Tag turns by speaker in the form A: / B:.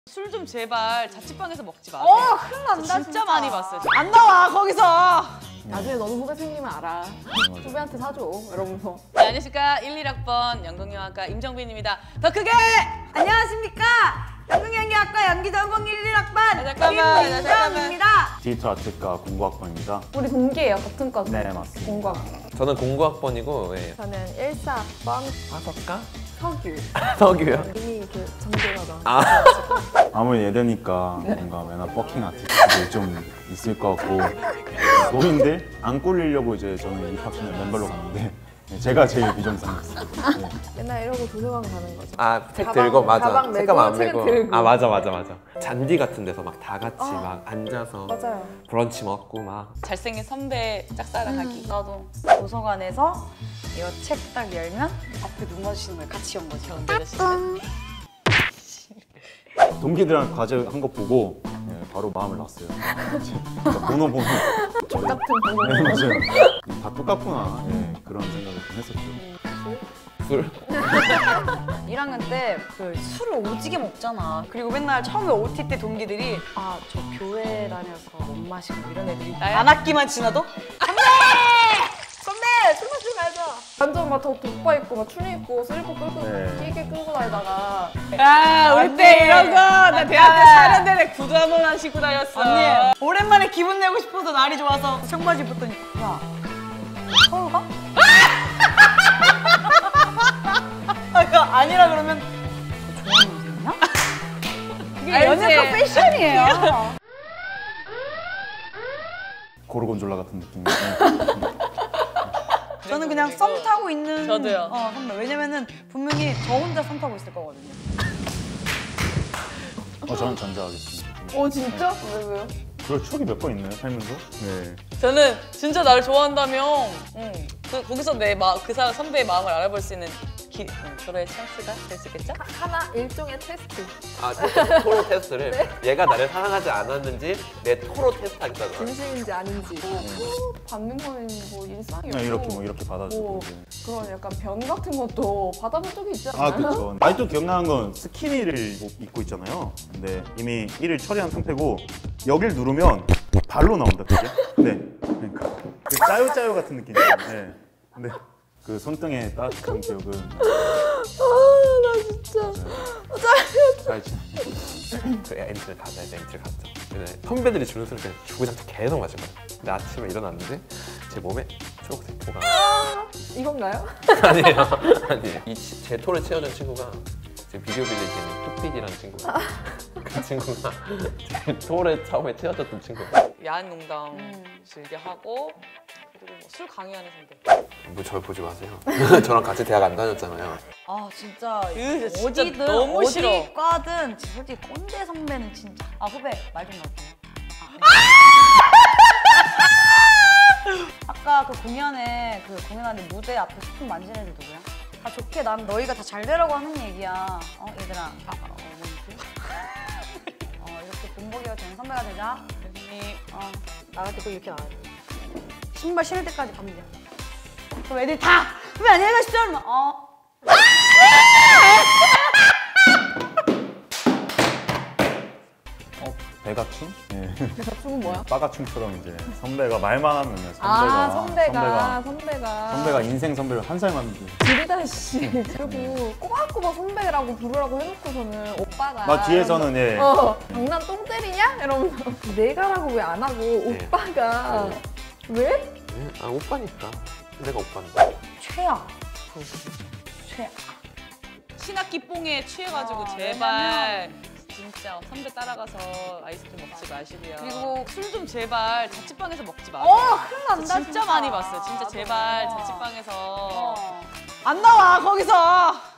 A: 술 좀 제발 자취방에서 먹지 마세요.
B: 큰일 난다.
A: 진짜 많이 봤어요.
B: 안 나와 거기서. 나중에 너도 후배 생기면 알아. 후배한테 사줘 이러면서.
A: 네, 안녕하십니까 11학번 연극영화과 임정빈입니다. 더 크게!
B: 안녕하십니까. 연극연기학과 연기전공 11학반
A: 잠깐만.
B: 김민정입니다.
C: 디지털 아트과 공부학번입니다.
B: 우리 동기예요. 같은 과.
C: 네, 맞습니다.
B: 공과학.
D: 저는 공구학번이고 예.
B: 저는 14학번
D: 다섯가?
B: 석유.
D: 석유요?
B: 이미 그 전개가 나.
C: 아무리 예대니까 뭔가 맨날 버킹 아티스트들이 좀 있을 것 같고 노인들 안 꼴리려고 이제 저는 입학전에 맨발로 갔는데 제가 제일 비정상이었어요. 네.
B: 맨날 이러고 도서관 가는 거죠.
D: 책
B: 가방,
D: 들고 맞아.
B: 가방 메고,
D: 책감 안
B: 책
D: 메고.
B: 들고.
D: 맞아. 잔디 같은 데서 막 다 같이 막 앉아서
B: 맞아요.
D: 브런치 먹고 막.
A: 잘생긴 선배 짝사랑하기.
E: 나도 도서관에서 이거 책 딱 열면 앞에 눈 마주치는 거예요. 같이 연 거죠.
A: 경대자 씨는
C: 동기들한테 과제 한 거 보고 바로 마음을 놨어요. 번호 보면
B: 같은 번호.
C: 네, 맞아요. 다 똑같구나 그런 생각을 좀 했었죠.
D: 술?
E: 1학년 때 그 술을 오지게 먹잖아. 그리고 맨날 처음에 OT 때 동기들이 아, 저 교회 다녀서 못 마시고 이런 애들이
A: 나야?
E: 안 학기만 지나도
B: 선배 술 마시러 가자. 완전 막 덕바 입고 막 추리 입고 슬리퍼 끌고
C: 네.
B: 길게 끌고 다니다가
A: 야 우리 때 이런 거 나 대학 때 사는 데내 구두 한 번만 신고 다녔어.
E: 언니 오랜만에 기분 내고 싶어서 날이 좋아서 청바지 입었더니 야 서울 가? 아, 아니라 그러면 너 좋아하는 여자냐? 그게
A: 알지?
E: 연예과 패션이에요.
C: 고르곤졸라 같은 느낌.
E: 저는 그냥 썸 타고 있는
A: 저도요.
E: 선배. 왜냐면은 분명히 저 혼자 썸 타고 있을 거거든요.
C: 저는 전자하겠습니다.
B: 진짜? 왜요?
C: 그럴 추억이 몇 번 있나요, 살면서? 네.
A: 저는 진짜 나를 좋아한다면 거기서 그 사람 선배의 마음을 알아볼 수 있는 저의 찬스가 될 수 있겠죠?
B: 하나 일종의 테스트.
D: 토로 테스트를 얘가 나를 사랑하지 않았는지 내 토로 테스트 하겠다고.
B: 진심인지 아닌지. 받는 거는 뭐 일상이고.
C: 그냥 이렇게 받아주고.
B: 뭐 그런 약간 변 같은 것도 받아본 적이 있지 않아요?
C: 아, 그렇죠. 아직도 기억나는 건 스키니를 입고 있잖아요. 근데 이미 1을 처리한 상태고 여길 누르면 발로 나온다, 그게. 네. 그러니까 그 짜요짜요 같은 느낌이에요. 네. 근데 그 손등에 따뜻한 기억은
B: 나 진짜.
C: 짜요.
D: 그 엔트를 가자 해서 엔트를 갔죠. 근데 선배들이 주는 술을 그냥 주구장창 계속 마신 거예요. 근데 아침에 일어났는데 제 몸에 초록색 토가
B: 이건가요?
D: 아니에요. 제 토를 채워준 친구가 지금 비디오 빌리지에 있는 뚝빛이라는 친구가 그 친구가 제 토를 처음에 채워줬던 친구가
A: 야한 농담 즐겨 하고 그리고 술 강요하는 선배.
D: 뭐 저를 보지 마세요. 저랑 같이 대학 안 다녔잖아요.
E: 아 진짜
A: 진짜
E: 어디든
A: 너무
E: 어디
A: 싫어.
E: 과든 솔직히 꼰대 선배는 진짜 후배 말 좀 넣을게요. 아까 그 공연에 공연하는데 무대 앞에 소품 만지는 애들 누구야? 다 좋게 난 너희가 다 잘 되라고 하는 얘기야. 얘들아. 이렇게 본보기가 되는 선배가 되자.
A: 선생님
E: 나갈 때 꼭 이렇게 나와야 돼. 신발 신을 때까지 가면 돼. 그럼 애들이 다 후배 안녕히 가십시오. 그러면
C: 배가춤? 네.
B: 대충은 뭐야?
C: 빠가춤처럼 이제 선배가 말만 하면 선배가 인생 선배를 한 살 많은데.
B: 지리다 씨. 그리고 꼬박꼬박 선배라고 부르라고 해놓고서는 오빠가
C: 뒤에서는
B: 장난 똥 때리냐? 이러면서 내가라고 왜 안 하고 오빠가 왜?
D: 아 오빠니까. 내가 오빠인데.
E: 최악. 최악.
A: 신학기 뽕에 취해가지고 제발 진짜 선배 따라가서 아이스크림 먹지 마시고요. 그리고 술 좀 제발 자취방에서 먹지 마세요.
E: 큰일 난다.
A: 진짜 많이 봤어요. 진짜 제발 자취방에서
E: 안 나와 거기서.